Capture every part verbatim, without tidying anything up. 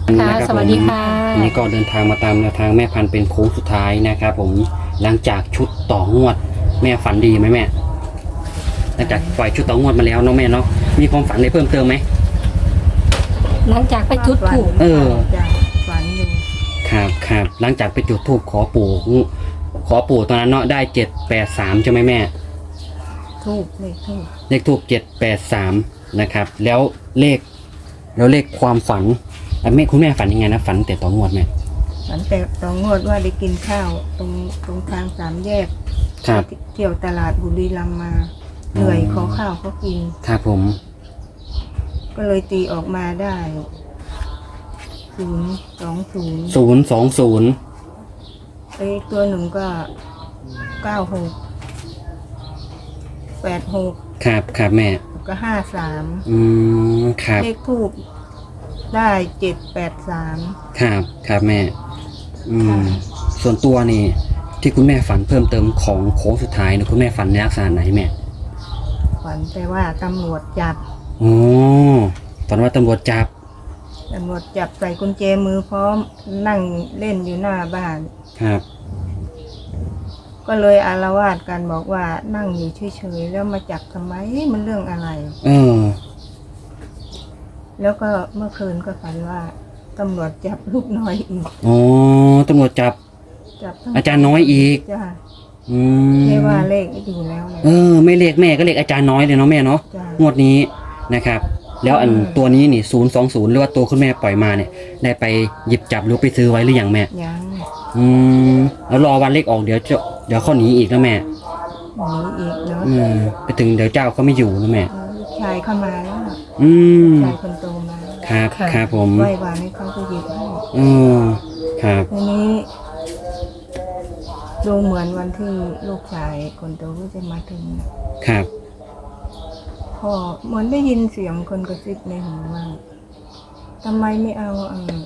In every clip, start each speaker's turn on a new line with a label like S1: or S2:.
S1: ค่ะสวัสดีค่ะ
S2: วันนี้ก็เดินทางมาตามแนวทางแม่พันธุ์เป็นโค้งสุดท้ายนะครับผมหลังจากชุดต่องวดแม่ฝันดีไหมแม่หลังจากปล่อยชุดต่องวดมาแล้วเนาะแม่เนาะมีความฝันอะไรเพิ่มเติมไหม
S1: หลังจากไปจุดถูก
S2: เออ
S3: จ้ะฝันอยู่
S2: ครับครับหลังจากไปจุดธูปขอปู่ขอปู่ตอนนั้นเนาะได้เจ็ดแปดสามใช่ไหมแม่
S3: ทูบเลขทูบ
S2: เลขทูปเจ็ดแปดสามนะครับแล้วเลขแล้วเลขความฝันอ่ะแม่คุณแม่ฝันยังไงนะฝันแต่ต่องวดแม่
S3: ฝันแต่ตองงวดว่าได้กินข้าวตรงตรงทางสามแยก
S2: ครับ
S3: เที่ยวตลาดบุรีรัมย์มาเหนื่อยขอข้าวเขากิน
S2: ครับผม
S3: ก็เลยตีออกมาได้ศูนย์สองศูนย์
S2: ศูนย์สองศูนย์
S3: ไอ้ตัวหนึ่งก็เก้าหกแปดหก
S2: ครับครับแม่
S3: ก็ห้าสาม
S2: อืมครับ
S3: เลขทูบได้เจ็ดแปดสาม
S2: ครับครับแม่ อืม
S3: ค่ะ
S2: ส่วนตัวนี่ที่คุณแม่ฝันเพิ่มเติมของโค้งสุดท้ายนะคุณแม่ฝันในลักษณะไหนแม่
S3: ฝันแต่ว่าตำรวจจับ
S2: โอ้ฝันว่าตำรวจจับ
S3: ตำรวจจับใส่กุญแจมือพร้อมนั่งเล่นอยู่หน้าบ้าน
S2: ครับ
S3: ก็เลยอาละวาดกันบอกว่านั่งอยู่เฉยๆแล้วมาจับทำไมมันเรื่องอะไร
S2: เออ
S3: แล้วก็เมื่อคืนก็ฝันว่าตำรวจจับลูกน้อยอีก
S2: อ๋อตำรวจจับ
S3: จับทั้ง
S2: อาจารย์น้อยอีก
S3: จ้า
S2: อืม
S3: ไม่ว่าเลขอยู่แล้วเลย
S2: เออไม่เลขแม่ก็เลขอาจารย์น้อยเลยเนาะแม่เนาะ
S3: จ้ะ
S2: งวดนี้นะครับ แล้วอัน
S3: อืม
S2: ตัวนี้นี่ศูนย์สองศูนย์หรือว่าตัวคุณแม่ปล่อยมาเนี่ยได้ไปหยิบจับหรือไปซื้อไว้หรือยังแม่
S3: ยัง
S2: อืมแล้วรอวันเลขออกเดี๋ยวจะเดี๋ยวเขาหนีอีกนะแม่
S3: หนีอีกเนาะ
S2: อืมไปถึงเดี๋ยวเจ้าเขาไม่อยู่นะแม่
S3: เออลูกชายเข้ามาแล้วน่ะ
S2: อืม
S3: ชายคนโตมา
S2: ครับครับผม
S3: ไหว้วานให้เขาไปหยิบให้
S2: อืมครับ
S3: ทีนี้ดูเหมือนวันที่ลูกชายคนโตก็จะมาถึงน่ะ
S2: ครับ
S3: พอเหมือนได้ยินเสียงคนกระซิบในหูว่าทำไมไม่เอาเออ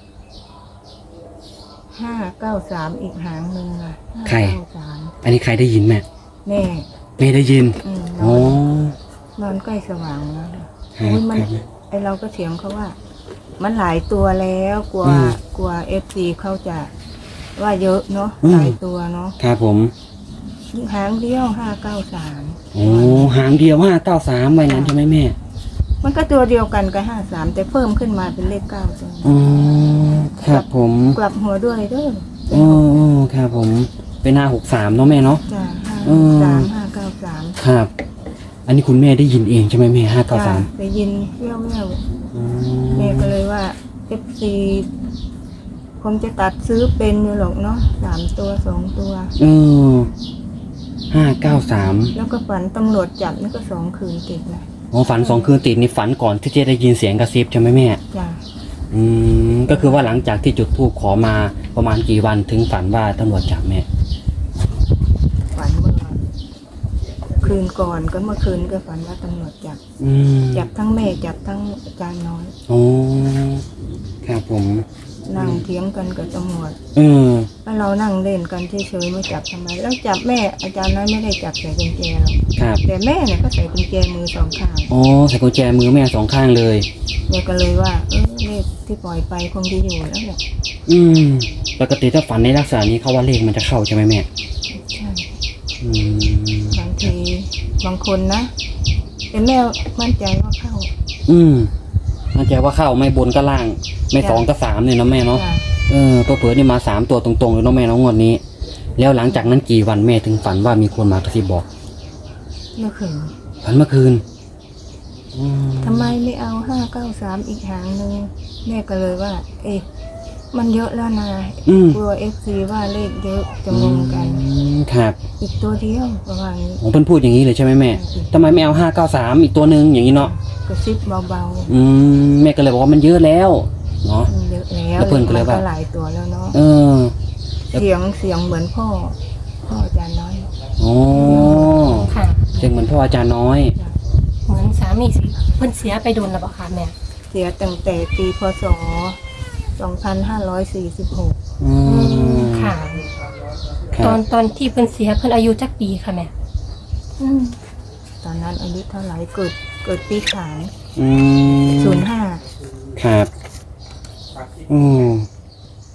S3: ห้าเก้าสามอีกหางหนึ่งอ่ะห้า
S2: ใคร
S3: เก้าสาม
S2: อันนี้ใครได้ยินแม่
S3: แม่
S2: แม่ได้ยิน
S3: อืมน
S2: อ๋
S3: อ
S2: อน
S3: นอนใกล้สว่างแล้วน่ะ
S2: ครับ
S3: อุ๊ยมัน
S2: ครับ
S3: ไอเราก็เถียงเขาว่า มันหลายตัวแล้วกลัว
S2: อืม
S3: กลัวเอฟซีเขาจะว่าเยอะเนาะ
S2: อืม
S3: หลายตัวเนาะ
S2: ครับผม
S3: หางเดียวห้าเก้าสาม
S2: โอ้หางเดียวห้าเก้าสามไว้นั้นใช่ไหมแม่
S3: มันก็ตัวเดียวกันกับห้าสามแต่เพิ่มขึ้นมาเป็นเลขเก้าตัว
S2: อ๋อครับผม
S3: กลับหัวด้วยเด้อ
S2: อ๋อครับผมเป็นห้าหกสามเนาะแม่เนาะ
S3: จ้าห้า
S2: อืม
S3: สามห้าเก้าสาม
S2: ครับ อันนี้คุณแม่ได้ยินเองใช่ไหมแม่ห้าเก้า
S3: จ้า
S2: สาม
S3: ได้ยินแว่วแววๆแม่ก็เลยว่าเอฟซีคงจะตัดซื้อเป็นอยู่หรอกเนาะสามตัวสองตัว
S2: เออห้าเก้าสาม
S3: แล้วก็ฝันตำรวจจับนี่ก็สองคืนติดนะ
S2: อ๋อฝันสองคืนติดนี่ฝันก่อนที่จะได้ยินเสียงกระซิบใช่ไหมแม่
S3: จ้า
S2: อืมก็คือว่าหลังจากที่จุดธูปขอมาประมาณกี่วันถึงฝันว่าตำรวจจับแม่
S3: ฝันเมื่อคืนก่อนก็เมื่อคืนก็ฝันว่าตำรวจจับ
S2: อืม
S3: จับทั้งแม่จับทั้งอาจารย์น้อย
S2: โอ้ครับผม
S3: นั่งเถียงกันกับตำรวจ
S2: เออ
S3: แล้วเรานั่งเล่นกันเฉยๆไม่จับทำไม แล้วจับแม่อาจารย์น้อยไม่ได้จับใส่กุญแจหรอก
S2: ครับ
S3: แต่แม่เนี่ยก็ใส่กุญแจมือสองข้าง
S2: อ๋อใส่กุญแจมือแม่สองข้างเลย
S3: แม่ก็เลยว่าเออเลขที่ปล่อยไปคงจะอยู่แล้วแหละ
S2: อืมปกติถ้าฝันในลักษณะนี้เขาว่าเลขมันจะเข้าใช่ไหมแม่
S3: ใช่
S2: อืม
S3: บางทีบางคนนะแต่แม่มั่นใจว่าเข้า
S2: อืมมั่นใจว่าเข้าไม่บนก็ล่าง ไม่สองก็สามเนี่ยเนาะแม่เนาะ
S3: จ้ะ
S2: เออตัวเผื่อนี่มาสามตัวตรงๆเลยเนาะแม่เนาะงวดนี้ แล้วหลังจากนั้นกี่วันแม่ถึงฝันว่ามีคนมากระซิบบอก
S3: เมื่อคืน
S2: ฝันเมื่อคืนอืม
S3: ทำไมไม่เอาห้าเก้าสามอีกหางหนึ่งแม่ก็เลยว่า เอ๊ะมันเยอะแล้วนะ
S2: อืม
S3: กลัวเอฟซีว่าเลขเยอะจะงงกัน
S2: อืมครับ
S3: อีกตัวเดียวประมาณนี้
S2: ผมเพิ่นพูดอย่างนี้เลยใช่ไหมแม่ทำไมไม่เอาห้าเก้าสามอีกตัวหนึ่งอย่างนี้เนาะ
S3: กระซิบเบา
S2: อืมแม่ก็เลยบอกว่ามันเยอะแล้วเนาะ
S3: ๆมันเยอะแล้ว
S2: แล้วเพิ่นก็เลยว่า
S3: มันหลายตัวแล้วเนาะ
S2: เออ
S3: เสียงเสียงเหมือนพ่อ พ่ออาจารย์น้อย
S2: โอ้
S1: ค่ะ
S2: เสียงเหมือนพ่ออาจารย์น้อย
S3: จ้ะ
S1: เหมือนสามีสิเพิ่นเสียไปโดนแล้วบ่คะแม่
S3: เสียตั้งแต่ปีพศสองพันห้าร้อยสี่สิบหก
S2: อืม
S1: ค่ะ
S2: ครั
S1: ตอบ นตอนที่เพิ่นเสียเพิ่นอายุจักปีค่ะแม่อืม
S3: ตอนนั้นอายุเท่าไหร่เกิดเกิดปีขาน
S2: อืม
S3: ศูนย์ห้า
S2: ครับอืม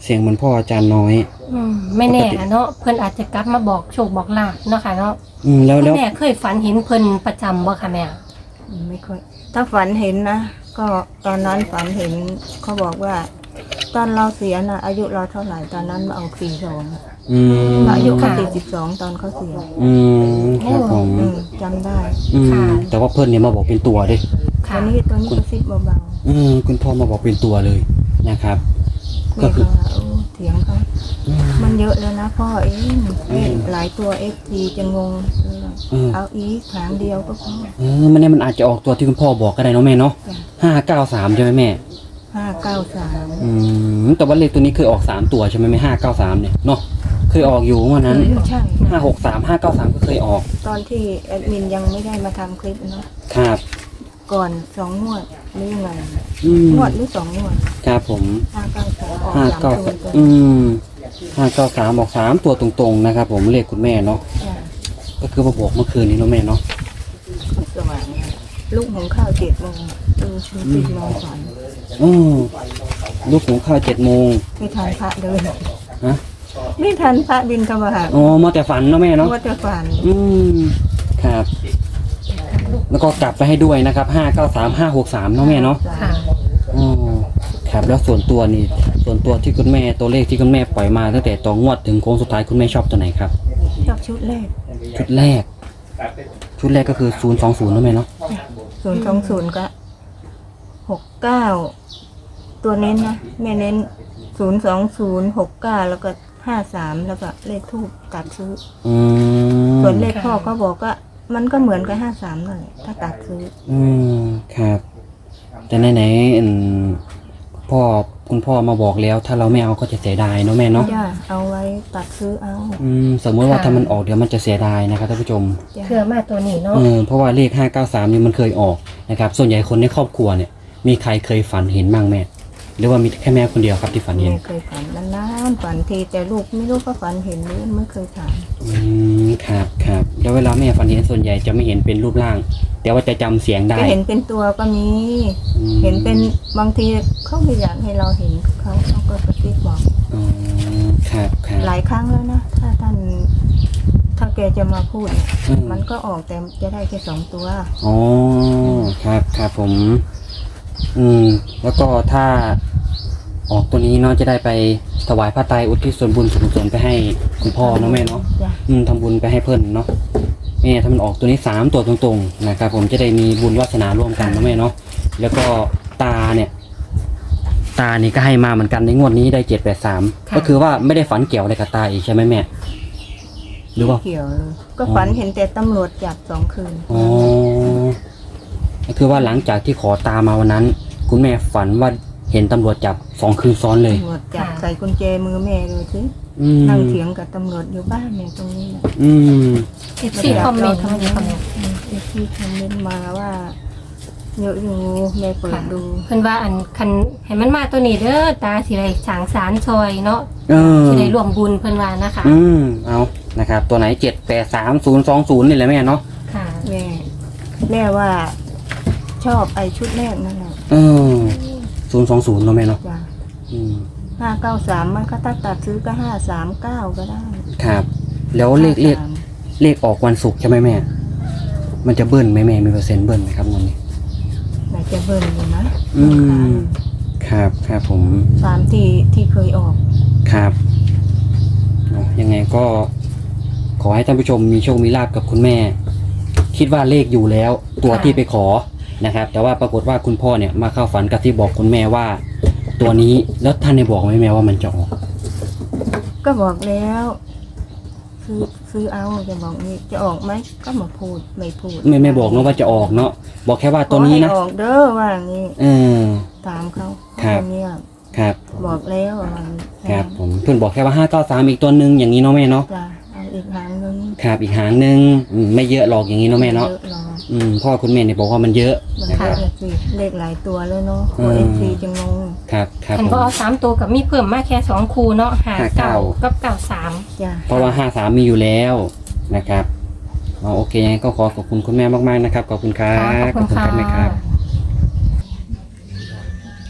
S2: เสียงเหมือนพ่ออาจารย์น้อย
S1: อืมไม่แน่อะเนาะเพิ่นอาจจะกลับมาบอกโชคบอกลาภเนาะค่ะเนาะ
S2: อืมแล้ว
S1: คุ
S2: แล้
S1: ณ
S2: ว
S1: แม่เคยฝันเห็นเพิ่นประจำบ่ค่ะแม่
S3: ไม่ค่อยถ้าฝันเห็นนะก็ตอนนั้นฝันเห็นเขาบอกว่า ตอนเราเสียนะอายุเราเท่าไหร่ตอนนั้นมาเอาสี่สอง
S2: อืม
S3: อายุเขาสี่สิบสองตอนเขาเสีย
S2: อืมครับผม
S3: อืมจำได้
S2: อืมแต่ว่าเพื่อนเนี่ยมาบอกเป็นตัวดิ
S3: ตอ
S1: ค่ะ
S3: นนี้ตัวนี้กระซิบเบา
S2: อืมคุณพ่อมาบอกเป็นตัวเลยนะครับ
S3: ๆ
S2: ก็
S3: แม่
S2: คื
S3: ก็
S2: อ
S3: ว่าโอ้เถียงเขา
S2: อืม
S3: มันเยอะแล้วนะพ่อเอง
S2: อืม
S3: หลายตัวเอฟทีจะงง
S2: อืม
S3: เอาอีกหางเดียวก็พอ
S2: เออมันเนี่ยมันอาจจะออกตัวที่คุณพ่อบอกก็ได้เนาะแม่เนาะ
S3: จ้ะ
S2: ห้าเก้าสามใช่ไหมแม่
S3: ห้าเก้าสาม
S2: อืมแต่ว่าเลขตัวนี้เคยออกสามตัวใช่ไหมไม่ห้าเก้าสามเนี่ยเนาะเคยออกอยู่วันนั้น
S3: ใช่
S2: ห้าหกสามห้าเก้าสามก็เคยออก
S3: ตอนที่แอดมินยังไม่ได้มาทำคลิปเนาะ
S2: ครับ
S3: ก่อนสองงวดหรือยังไง
S2: อืม
S3: งวดหรือสองงวด
S2: ครับผม
S3: ห้าเก้าสามออก
S2: ห้า
S3: สาม
S2: เก้า
S3: ตัวตัว
S2: อืมห้าเก้าสามออกสามตัวตรงๆนะครับผมเลขคุณแม่เนาะ
S3: จ้ะ
S2: ก็คือมาบอกเมื่อคืนนี้เนาะแม่เนาะ
S3: สว่างลูกของข้าวเจ็ดโมงเออชื่อติดนอนฝัน
S2: อืมลูกหุงข้าวเจ็ดโมง
S3: ไม่ทันพระเดิน
S2: ฮะ
S3: ไม่ทันพระบินทบาท
S2: อ๋อมาแต่ฝันเนาะแม่เนาะ
S3: ว่าจะฝัน
S2: อืมครับ แล้วก็กลับไปให้ด้วยนะครับห้าเก้าสามห้าหกสามเนาะแม่เนาะ
S1: ค่ะ
S2: อ๋อครับแล้วส่วนตัวนี่ส่วนตัวที่คุณแม่ตัวเลขที่คุณแม่ปล่อยมาตั้งแต่ตัวงวดถึงโค้งสุดท้ายคุณแม่ชอบตัวไหนครับ
S3: ชอบชุดแรก
S2: ชุดแรก ชุดแรกก็คือศูนย์สองศูนย์นะแม่เนาะ
S3: ศูนย์สองศูนย์ก็หกเก้าตัวเน้นนะแม่เน้นศูนย์สองศูนย์หกเก้าแล้วก็ห้าสามแล้วก็เลขทูบตัดซื้อ
S2: อืม
S3: ส่วนเลขพ่อก็บอกว่ามันก็เหมือนกับห้าสามนั่นแหละถ้าตัดซื้อ
S2: อืมครับ แต่ไหนไหนๆอืมพ่อคุณพ่อมาบอกแล้ว ถ้าเราไม่เอาก็จะเสียดายเนาะแม่เนาะ
S3: จ้าเอาไว้ตัดซื้อเอา
S2: อืมสมมติว่า
S1: ค่ะ
S2: ถ้ามันออกเดี๋ยวมันจะเสียดายนะครับท่านผู้ชม
S3: จ้า
S1: เพื่อมาตัวนี้เนาะ
S2: เออเพราะว่าเลขห้าเก้าสามนี่มันเคยออกนะครับ ส่วนใหญ่คนในครอบครัวเนี่ย มีใครเคยฝันเห็นบ้างแม่ หรือว่ามีแค่แม่คนเดียวครับที่ฝันเห็น
S3: ไม่เคยฝันนานๆฝันทีแต่ลูกไม่รู้ก็ฝันเห็นหรือไม่เคยถาม
S2: อืมครับครับแล้วเวลาแม่ฝันเห็นส่วนใหญ่จะไม่เห็นเป็นรูปร่าง แต่ว่าจะจำเสียงได้
S3: จะเห็นเป็นตัวก็มี
S2: อืม
S3: เห็นเป็นบางทีเขาไม่อยากให้เราเห็นเขาเขาก็กระซิบบอก
S2: อ๋อครับครับ
S3: หลายครั้งแล้วนะถ้าท่านถ้าแกจะมาพูดเนี่ย
S2: อืม
S3: มันก็ออกแต่จะได้แค่สองตัว
S2: อ๋อครับครับผม อืม แล้วก็ถ้าออกตัวนี้เนาะจะได้ไปถวายพระไตรอุทิศส่วนบุญส่วนกุศลไปให้คุณพ่อเนาะแม่เนาะ
S3: จ้ะ
S2: อืมทำบุญไปให้เพื่อนเนาะแม่ถ้ามันออกตัวนี้สามตัวตรงๆนะครับผมจะได้มีบุญวาสนาร่วมกันเนาะแม่เนาะแล้วก็ตาเนี่ย ตานี่ก็ให้มาเหมือนกันในงวดนี้ได้เจ็ดแปดสามก็คือว่าไม่ได้ฝันเกี่ยวอะไรกับตาอีกใช่ไหมแม่ หรือว่า
S3: เกี่ยวเลยก็ฝันเห็นแต่ตำรวจจับสองคืน
S2: อ๋อก็คือว่าหลังจากที่ขอตามาวันนั้น คุณแม่ฝันว่าเห็นตำรวจจับสองคืนซ้อนเลย
S3: ตำรวจจับใส่กุญแจมือแม่เลยสิ
S2: อืม
S3: นั่งเถียงกับตำรวจอยู่บ้านเนี่ยตรงนี้นะ
S2: อืม
S1: เอฟซีคอมเมนต์มาดีคอมเมนต์
S3: เอฟซีคอมเมนต์มาว่าเยอะอยู่แม่เปิดดู
S1: เพิ่นว่าอันคันให้มันมาตัวนี้เด้อตาสิได้สร้างสารซอยเนาะ
S2: เออ
S1: สิได้ร่วมบุญเพิ่นว่านะคะ
S2: อืมเอานะครับ ตัวไหนเจ็ดแปดสามศูนย์สองศูนย์นี่แหละแม่เนาะ
S1: ค่ะ
S3: แม่แม่ว่าชอบไอ้ชุดแรกนั่นแหละ
S2: เออศูนย์สองศูนย์เนาะแม่เนาะ
S3: จ้ะ
S2: อืม
S3: ห้าเก้าสามมันก็ถ้าตัดซื้อก็ห้าสามเก้าก็ได้
S2: ครับ แล้วเลขเลข
S3: ห้าสาม
S2: เลขออกวันศุกร์ใช่ไหมแม่ มันจะเบิ้ลไหมแม่มีเปอร์เซ็นต์เบิ้ลไหมครับงวดนี้
S3: ไหนจะเบิ่นอยู่นะ
S2: อืม ครับครับผม
S3: สามที่ที่เคยออก
S2: ครับเนาะยังไงก็ขอให้ท่านผู้ชมมีโชคมีลาภกับคุณแม่ คิดว่าเลขอยู่แล้วตัวที่ไปขอนะครับ แต่ว่าปรากฏว่าคุณพ่อเนี่ยมาเข้าฝันกับที่บอกคุณแม่ว่า ตัวนี้แล้วท่านได้บอกไหมแม่ว่ามันจะออก
S3: ก็บอกแล้ว ซื้อซื้อเอาจะบอกนี่จะออกไหมก็มาพูดไม่พูด
S2: ไม่ไม่บอกเนาะว่าจะออกเนาะบอกแค่ว่าตัวนี้นะ
S3: ขอให้ออกเด้อว่าอย่างนี้
S2: เออ
S3: ตามเขา
S2: ครับ
S3: เขาเงียบ
S2: ครับ
S3: บอกแล้วว่าอย่างนี้
S2: ครับผมเพื่อนบอกแค่ว่าห้าเก้าสามอีกตัวหนึ่งอย่างนี้เนาะแม่เนาะ
S3: จ้ะเอาอีกหางนึง
S2: ครับอีกหางหนึ่งอืมไม่เยอะหรอกอย่างนี้เนาะแม่เนาะ
S3: ยอะหรอก
S2: อืมพ่อคุณแม่เนี่ยบอกว่ามันเยอะ
S3: มัน
S2: นะค
S3: เย
S2: รับ
S3: อะสิเลขหลายตัวแล้วเนาะ
S2: อื
S3: โอ
S2: ม
S3: เอฟซีจะงง
S2: ครับครับ
S1: คัน
S2: ผม
S1: บ่เอาสามตัวกับมีเพิ่มมาแค่สองคู่เนาะห้า
S2: ห้าเก้า
S1: เก้ากับเก้าสาม
S3: จ้ะ
S2: เพราะว่าห้าสามมีอยู่แล้วนะครับอ๋อโอเคยังไงก็ขอขอบคุณคุณแม่มากๆนะครับขอบคุณครั
S1: ค่ะ
S2: บ
S1: ขอบคุณ
S2: แม่ค
S1: ค่ะ
S2: รับ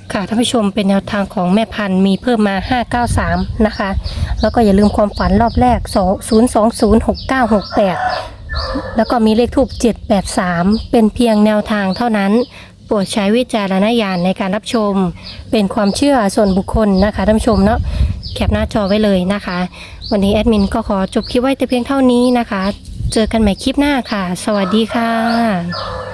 S1: ค่ะท่านผู้ชมเป็นแนวทางของแม่พันธุ์มีเพิ่มมาห้าเก้าสามนะคะแล้วก็อย่าลืมความฝันรอบแรกศูนย์ สอง ศูนย์ หก เก้า หก แปดแล้วก็มีเลขทูปเจ็ดแปดสามเป็นเพียงแนวทางเท่านั้นโปรดใช้วิจารณญาณในการรับชมเป็นความเชื่อส่วนบุคคลนะคะท่านผู้ชมเนาะแคปหน้าจอไว้เลยนะคะวันนี้แอดมินก็ขอจบคลิปไว้แต่เพียงเท่านี้นะคะเจอกันใหม่คลิปหน้าค่ะสวัสดีค่ะ